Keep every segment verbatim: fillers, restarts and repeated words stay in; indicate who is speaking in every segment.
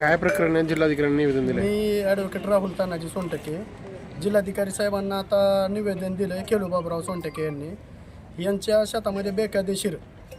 Speaker 1: काय प्रकरण आहे? जिल्हाधिकाऱ्यांनी निवेदन दिलं.
Speaker 2: मी ॲडव्होकेट राहुल तानाजी सोनटके, जिल्हाधिकारी साहेबांना आता निवेदन दिलं आहे खेळू बाबूराव सोनटके यांनी. यांच्या शेतामध्ये बेकायदेशीर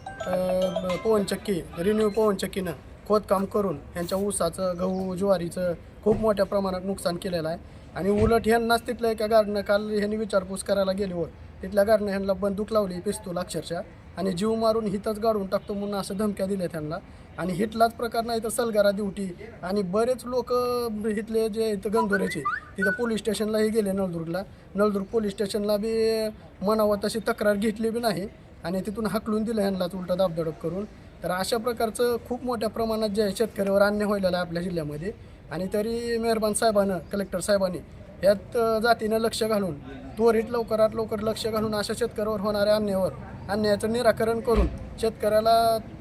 Speaker 2: पवनचक्की रिन्यू पवनचक्कीनं खोदकाम करून यांच्या ऊसाचं, गहू, ज्वारीचं खूप मोठ्या प्रमाणात नुकसान केलेलं आहे. आणि उलट ह्यांनाच तिथल्या एका गार्डनं काल ह्यांनी विचारपूस करायला गेल्यावर तिथल्या गार्डनं ह्यांना बंदूक लावली, पिस्तूल अक्षरशः, आणि जीव मारून हितच गाडून टाकतो म्हणून असं धमक्या दिल्या त्यांना. आणि हिटलाच प्रकार नाही तर सलगारा ड्युटी. आणि बरेच लोक इथले जे इथं गंधोऱ्याचे तिथं पोलीस स्टेशनलाही गेले, नळदुर्गला. नळदुर्ग पोलीस स्टेशनला बी म्हणावं तशी तक्रार घेतली बी नाही आणि तिथून हाकलून दिलं ह्यांनाच उलटा दाबदडप करून. तर अशा प्रकारचं खूप मोठ्या प्रमाणात जे शेतकऱ्यावर अन्याय व्हायला आहे आपल्या जिल्ह्यामध्ये. आणि तरी मेहरबान साहेबानं, कलेक्टर साहेबांनी यात जातीनं लक्ष घालून त्वरित लवकरात लवकर लक्ष घालून अशा शेतकऱ्यावर होणाऱ्या अन्यायावर अन्यायाचं निराकरण करून शेतकऱ्याला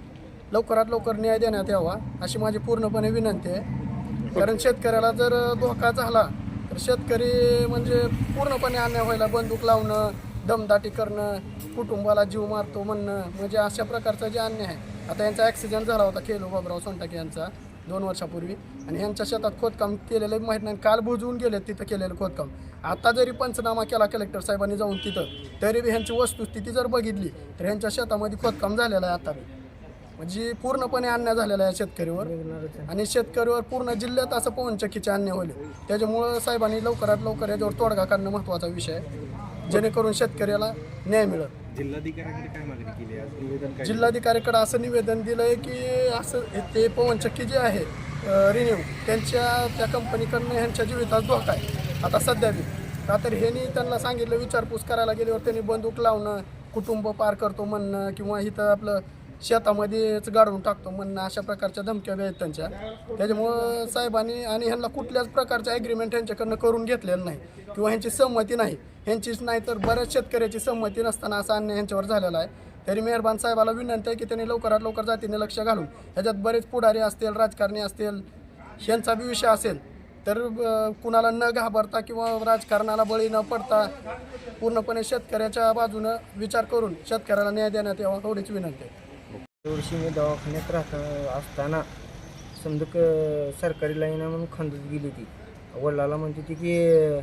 Speaker 2: लवकरात लवकर न्याय देण्यात यावा अशी माझी पूर्णपणे विनंती आहे. कारण शेतकऱ्याला जर धोका झाला तर शेतकरी म्हणजे पूर्णपणे अन्याय व्हायला, बंदूक लावणं, दमदाटी करणं, कुटुंबाला जीव मारतो म्हणणं, म्हणजे अशा प्रकारचा जे अन्याय आहे. आता यांचा ॲक्सिडेंट झाला होता खेळू बाबूराव सोनटके यांचा दोन वर्षापूर्वी, आणि ह्यांच्या शेतात खोदकाम केलेलं माहीत नाही, काल बुजवून गेले तिथं केलेलं खोदकाम. आता जरी पंचनामा केला कलेक्टर साहेबांनी जाऊन तिथं, तरी बी ह्यांची वस्तुस्थिती जर बघितली तर ह्यांच्या शेतामध्ये खोदकाम झालेलं आहे आता बी. म्हणजे पूर्णपणे अन्याय झालेला आहे शेतकरीवर, आणि शेतकरीवर पूर्ण जिल्ह्यात असं पवनचक्कीचे अन्याय होईल. त्याच्यामुळं साहेबांनी लवकरात लवकर याच्यावर तोडगा काढणं महत्त्वाचा विषय आहे, जेणेकरून शेतकऱ्याला न्याय मिळेल.
Speaker 3: जिल्हाधिकाऱ्यांकडे काय मागणी केली आहे? निवेदन काय?
Speaker 2: जिल्हाधिकाऱ्याकडे असं निवेदन दिलं आहे की असं ते पवनचक्की जे आहे रिन्यू, त्यांच्या त्या कंपनीकडनं ह्यांच्या जीवितात धोका आहे आता सध्या बी. का तर ह्यांनी त्यांना सांगितलं, विचारपूस करायला गेल्यावर त्यांनी बंदूक लावणं, कुटुंब पार करतो म्हणणं, किंवा इथं आपलं शेतामध्येच गाडवून टाकतो म्हणणं, अशा प्रकारच्या धमक्या बी आहेत त्यांच्या. त्याच्यामुळं साहेबांनी आणि ह्यांना कुठल्याच प्रकारचं ॲग्रीमेंट ह्यांच्याकडनं करून घेतलेलं नाही, किंवा ह्यांची संमती नाही, ह्यांचीच नाही तर बऱ्याच शेतकऱ्याची संमती नसताना असा अन्याय ह्यांच्यावर झालेला आहे. तरी मेहरबान साहेबाला विनंती आहे की त्यांनी लवकरात लवकर जातीने लक्ष घालून ह्याच्यात बरेच पुढारी असतील, राजकारणी असतील, ह्यांचा बी विषय असेल तर कुणाला न घाबरता किंवा राजकारणाला बळी न पडता पूर्णपणे शेतकऱ्याच्या बाजूनं विचार करून शेतकऱ्याला न्याय देण्यात यावा एवढीच विनंती आहे.
Speaker 4: वर्षी मी दवाखान्यात राहत असताना समजा क सरकारी लाईन आहे म्हणून खंदत गेली ती. वडिलाला म्हणते ती की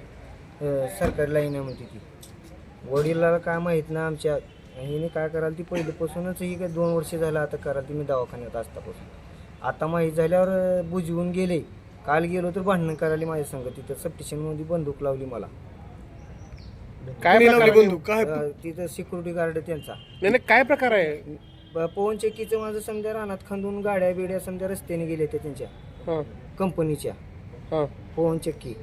Speaker 4: सरकारी लाईन आहे म्हणते ती. वडिलाला काय माहीत ना आमच्या, हिने काय कराल ती पहिल्यापासूनच, ही काय दोन वर्ष झालं आता कराल ती मी दवाखान्यात असतापासून. आता माहीत झाल्यावर बुजवून गेले. काल गेलो तर भांडणं करायला माझ्या संग. तिथं सबस्टेशनमध्ये बंदूक लावली मला.
Speaker 1: काय लावली बंदूक? काय
Speaker 4: तिथं सिक्युरिटी गार्ड त्यांचा.
Speaker 1: नाही नाही, काय प्रकार आहे?
Speaker 4: पवनचक्कीचं माझं समजा रानात खंदून गाड्या बिड्या समजा रस्त्याने गेले ते त्यांच्या कंपनीच्या पवनचक्की.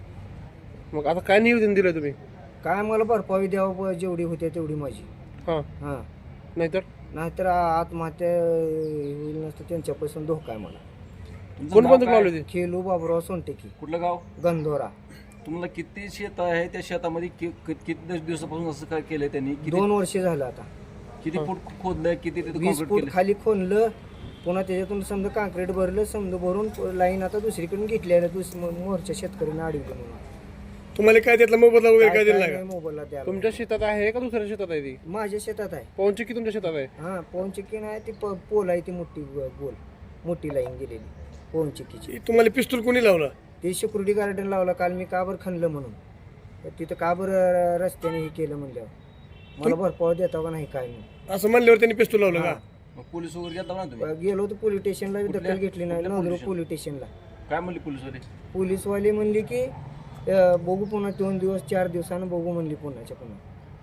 Speaker 1: मग आता काय निवेदन दिलं तुम्ही?
Speaker 4: काय मला भरपाई द्यावं जेवढी होते तेवढी माझी.
Speaker 1: हां
Speaker 4: हां,
Speaker 1: नाहीतर
Speaker 4: नाहीतर आत्महत्या होईल नसतं, त्यांच्यापासून धोका आहे मला.
Speaker 1: कोण बंदूक लावली होती?
Speaker 4: खेळू बाबूराव सोनटके,
Speaker 3: कुठलं गाव?
Speaker 4: गंधोरा.
Speaker 3: तुम्हाला किती शेत आहे? त्या शेतामध्ये कि- कि- किती दिवसापासून असं काय केलंय त्यांनी? किती
Speaker 4: दोन वर्ष झालं आता.
Speaker 3: किती फूट खोदलंय? किती तिथे
Speaker 4: वीस
Speaker 3: काँक्रीट
Speaker 4: फूट
Speaker 3: केलं?
Speaker 4: खाली खोनलं, पुन्हा त्याच्यातून समजा काँक्रीट भरलं, समजा भरून लाईन आता दुसरीकडून घेतली आहे. दुसरी मोर्चा शेतकऱ्यांना अडवलं म्हणून.
Speaker 1: तुम्हाला काय त्यातला मोबदला वगैरे काय दिला
Speaker 4: काय
Speaker 1: का?
Speaker 4: मोबाईलला द्यायला.
Speaker 1: तुमच्या शेतात आहे का दुसऱ्या शेतात आहे ती?
Speaker 4: माझ्या शेतात आहे.
Speaker 1: पवनचक्की तुमच्या शेतात आहे?
Speaker 4: हां, पवनचक्की नाही ती प- पोल आहे ती मोठी गोल मोठी लाईन गेलेली पवनचक्कीची.
Speaker 1: तुम्हाला पिस्तूल कोणी लावला?
Speaker 4: ते सिक्युरिटी गार्डन लावला काल मी, का बरं खणलं म्हणून. तर तिथं का बरं रस्त्याने हे केलं म्हणल्यावर मला भरपाव देता का नाही काय नाही
Speaker 1: असं म्हणल्यावर त्यांनी पिस्तूल लावलं का?
Speaker 3: मग पोलीस वगैरे गेला ना तुम्ही?
Speaker 4: गेलो तर पोलीस स्टेशनला दखल घेतली नाही.
Speaker 3: कुठल्या
Speaker 4: नंदुरबार
Speaker 3: पोलीस
Speaker 4: पोलीस स्टेशनला
Speaker 3: काय म्हणले पोलीसवाले?
Speaker 4: पोलीसवाले म्हणले की अं, बघू पुन्हा दोन दिवस चार दिवसानं बघू म्हणली पुन्हाच्या पुन्हा.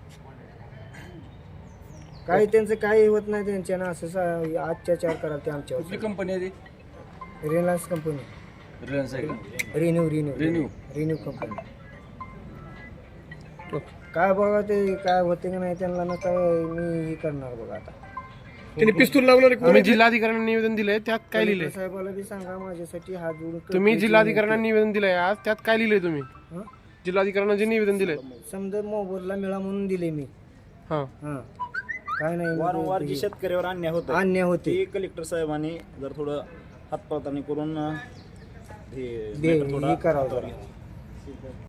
Speaker 4: काय त्यांचं काही होत नाही त्यांच्यानं, असं सा- अत्याचार कराल ते आमच्यावर.
Speaker 3: कुठली कंपनी आहे ती?
Speaker 4: रिलायन्स कंपनी,
Speaker 3: रिलायन्स आहे का?
Speaker 4: Renew renew
Speaker 3: renew.
Speaker 4: Renew company. काय बघा ते काय होते का नाही त्यांना ना, काय मी हे करणार बघा आता.
Speaker 1: त्यांनी पिस्तूल लावणार? तुम्ही जिल्हाधिकाऱ्यांना निवेदन दिलंय, त्यात काय लिहिलंय?
Speaker 4: साहेबाला बी सांगा माझ्यासाठी हात जोडून.
Speaker 1: तुम्ही जिल्हाधिकाऱ्यांना निवेदन दिलंय आज, त्यात काय लिहिलंय तुम्ही?
Speaker 4: हं?
Speaker 1: जिल्हाधिकाऱ्यांना जे निवेदन दिलंय?
Speaker 4: समजा मोबदला मिळा म्हणून दिले मी.
Speaker 1: हां
Speaker 4: हां, काय नाही
Speaker 5: वारंवार जी शेतकऱ्यावर अन्याय होत
Speaker 4: अन्याय होते
Speaker 5: ते कलेक्टर साहेबांनी जर थोडं हातपळतानी करून हे
Speaker 4: दे
Speaker 5: matter थोडा
Speaker 4: हे करावं जरा.